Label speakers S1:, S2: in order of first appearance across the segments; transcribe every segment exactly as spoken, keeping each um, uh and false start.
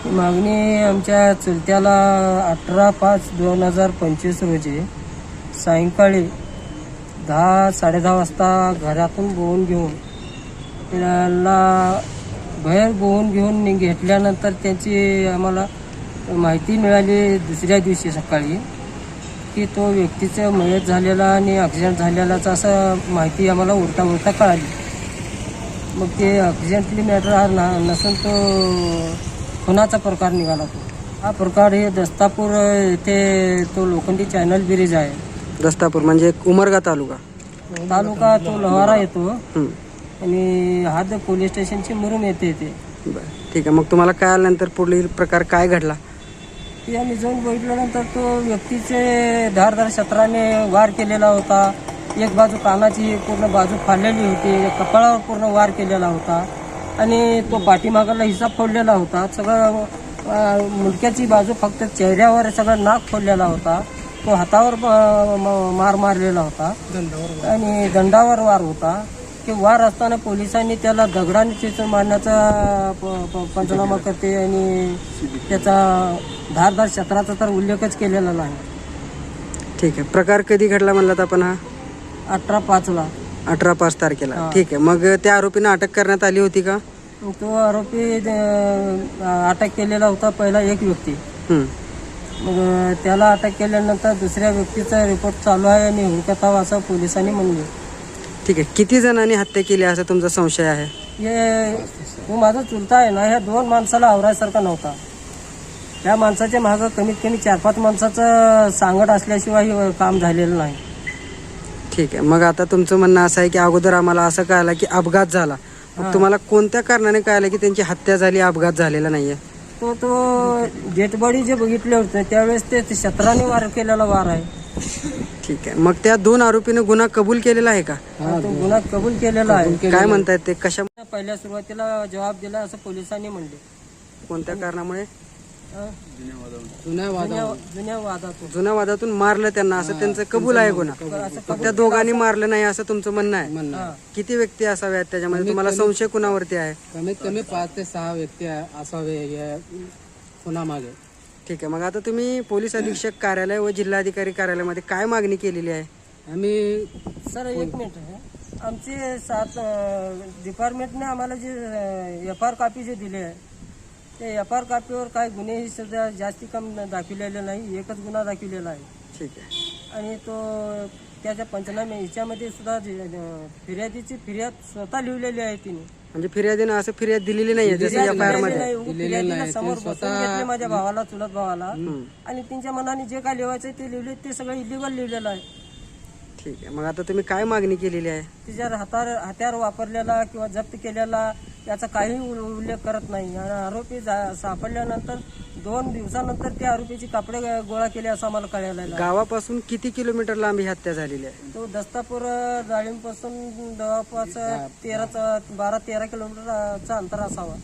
S1: मागणी आमच्या चुलत्याला अठरा पाच दोन हजार पंचवीस रोजी सायंकाळी दहा साडे दहा वाजता घरातून बोहून घेऊन त्याला बाहेर बोहून घेऊन घेतल्यानंतर त्यांची आम्हाला माहिती मिळाली दुसऱ्या दिवशी सकाळी की तो व्यक्तीचा मयत झालेला आणि ॲक्सिडेंट झालेलाच असं माहिती आम्हाला उलटा उलटा कळाली. मग ते ॲक्सिडेंटली मॅटर हा ना नसून तो खुनाचा प्रकार निघाला. तो हा प्रकार हे दस्तापूर इथे तो लोखंडी चॅनल ब्रिज आहे.
S2: दस्तापूर म्हणजे उमरगा तालुका
S1: तालुका तो लोहारा येतो आणि हात पोलीस स्टेशनची मुरुम येते इथे.
S2: बरं ठीक आहे. मग तुम्हाला काय आल्यानंतर पुढील प्रकार काय घडला?
S1: ते आम्ही जाऊन बघितल्यानंतर तो व्यक्तीचे धारदार शस्त्राने वार केलेला होता. एक बाजू कानाची पूर्ण बाजू फाडलेली होती, कपाळावर पूर्ण वार केलेला होता आणि तो पाठीमागाला हिस्सा फोडलेला होता. सगळं मुंडक्याची बाजू फक्त चेहऱ्यावर सगळं नाक फोडलेला होता. तो हातावर मार मारलेला होता आणि दंडावर वार होता. ते वार असताना पोलिसांनी त्याला दगडाने चिचून मारण्याचा पंचनामा करते आणि त्याचा धारदार शस्त्राचा तर उल्लेखच केलेला नाही.
S2: ठीक आहे. प्रकार कधी घडला म्हणलात आपण? हा
S1: अठरा पाचला
S2: अठरा पाच तारखेला. ठीक आहे. मग त्या आरोपींना अटक करण्यात आली होती का?
S1: तो आरोपी अटक केलेला होता पहिला एक व्यक्ती. मग त्याला अटक केल्यानंतर दुसऱ्या व्यक्तीचा रिपोर्ट चालू आहे आणि हुडकत असं पोलिसांनी म्हणले.
S2: ठीक आहे. किती जणांनी हत्या केली असा तुमचा संशय आहे?
S1: हे तो माझा चुलता आहे ना, ह्या दोन माणसाला आवरायसारखा नव्हता. त्या माणसाच्या मागं कमीत कमी चार पाच माणसाचं सांगड असल्याशिवाय काम झालेलं नाही.
S2: ठीक आहे. मग आता तुमचं म्हणणं असं आहे की अगोदर आम्हाला असं कळालं की अपघात झाला, मग तुम्हाला कोणत्या कारणाने कळालं की त्यांची हत्या झाली, अपघात झालेला नाहीये?
S1: तो तो डेड बॉडी जे बघितले होते त्यावेळेस ते शस्त्राने वार केलेला वार आहे.
S2: ठीक आहे. मग त्या दोन आरोपीने गुन्हा कबूल केलेला आहे का?
S1: तो गुन्हा कबूल केलेला आहे.
S2: काय म्हणतायत ते? कशा
S1: पहिल्या सुरुवातीला जबाब दिला असं पोलिसांनी म्हणले.
S2: कोणत्या कारणामुळे?
S1: जुन्या वादातून
S2: जुन्या वादातून मारलं त्यांना असं त्यांचं कबूल आहे गुन्हा. त्या दोघांनी मारलं नाही असं तुमचं म्हणणं आहे. किती व्यक्ती असाव्यात त्याच्यामध्ये? तुम्हाला संशय कुणावरती आहे?
S1: कमीत कमी पाच ते सहा व्यक्ती असावे या खुनामागे.
S2: ठीक आहे. मग आता तुम्ही पोलीस अधीक्षक कार्यालय व जिल्हाधिकारी कार्यालयामध्ये काय मागणी केलेली आहे?
S1: आम्ही सर एक मिनिट, आमचे सात डिपार्टमेंटने आम्हाला जे एफ आर कॉपी जे दिले आहे ते एफ आर कॉपीवर काही गुन्हे सध्या जास्ती कम दाखविलेले नाही, एकच गुन्हा दाखविलेला आहे. ठीक आहे. आणि तो त्याच्या पंचनामे ह्याच्यामध्ये सुद्धा फिर्यादीची फिर्याद स्वतः लिहिलेली आहे तिने. म्हणजे
S2: फिर्यादीनं असं फिर्याद दिलेली नाही जसं एफ आय आर मध्ये
S1: फिर्यादीला समोर बसून घेतले माझ्या भावाला, चुलत भावाला, आणि त्यांच्या मनाने जे काय लिहायचं ते लिहिले, ते सगळं इलिगल लिहिलेलं आहे.
S2: ठीक आहे. मग आता तुम्ही काय मागणी केलेली आहे?
S1: तिच्यावर हातार हत्यार वापरलेला किंवा जप्त केलेला याचा काही उल्लेख करत नाही. आणि आरोपी सापडल्यानंतर दोन दिवसानंतर त्या आरोपीची कापडे गोळा केले असं आम्हाला कळायला.
S2: गावापासून किती किलोमीटर लांब ही हत्या झालेली आहे?
S1: तो दस्तापूर डाळिंब पासून जवळपास तेरा बारा तेरा किलोमीटरचा अंतर असावा.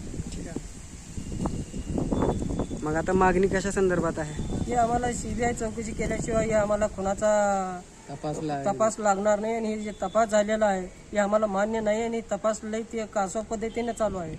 S2: मग आता मागणी कशा संदर्भात आहे?
S1: ही आम्हाला सीबीआय चौकशी केल्याशिवाय हे आम्हाला खुनाचा तपास तपास लागणार नाही आणि हे जे तपास झालेला आहे हे आम्हाला मान्य नाही आणि तपास लई ते कासव पद्धतीने चालू आहे.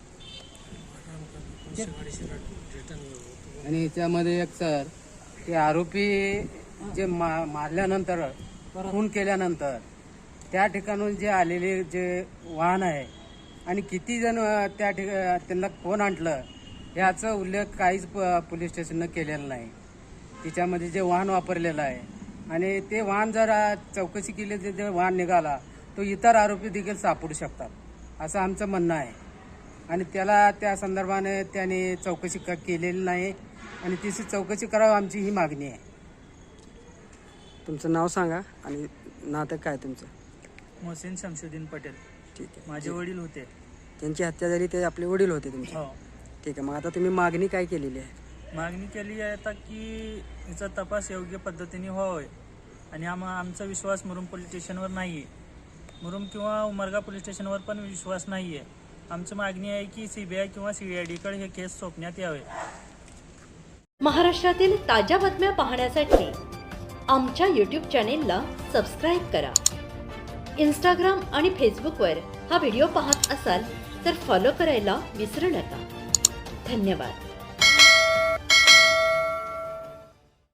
S3: आणि त्यामध्ये एक सर ते आरोपी जे मा मारल्यानंतर खून केल्यानंतर त्या ठिकाणून जे आलेले जे वाहन आहे आणि किती जण त्या ठिकाणी त्यांना कोण आणलं याचा उल्लेख काहीच पोलीस स्टेशननं केलेला नाही. तिच्यामध्ये जे वाहन वापरलेलं आहे आणि ते वाहन जर चौकशी केली तर जे वाहन निघाला तो इतर आरोपी देखील सापडू शकतात असं आमचं म्हणणं आहे. आणि त्याला त्या संदर्भाने त्याने चौकशी क केलेली नाही आणि तिची चौकशी करावी आमची ही मागणी आहे.
S2: तुमचं नाव सांगा आणि नातं काय तुमचं?
S4: मोहसिन शमशुद्दीन पटेल.
S2: ठीक आहे.
S4: माझे वडील होते.
S2: त्यांची हत्या झाली ते आपले वडील होते तुमचे?
S4: हो.
S2: ठीक आहे. मग आता तुम्ही मागणी काय केलेली आहे?
S4: मागणी केली आहे आता की याचा तपास योग्य पद्धतीने व्हावा आणि आम आमचा विश्वास मुरुम पोलीस स्टेशनवर नाही आहे. मुरुम किंवा उमरगा पोलीस स्टेशनवर पण विश्वास नाही आहे. आमची मागणी आहे की सी बी आय किंवा सी आय डीकडे हे केस सोपण्यात यावे.
S5: महाराष्ट्रातील ताज्या बातम्या पाहण्यासाठी आमच्या यूट्यूब चॅनेलला सबस्क्राईब करा. इंस्टाग्राम आणि फेसबुकवर हा व्हिडिओ पाहत असाल तर फॉलो करायला विसरू नका. धन्यवाद.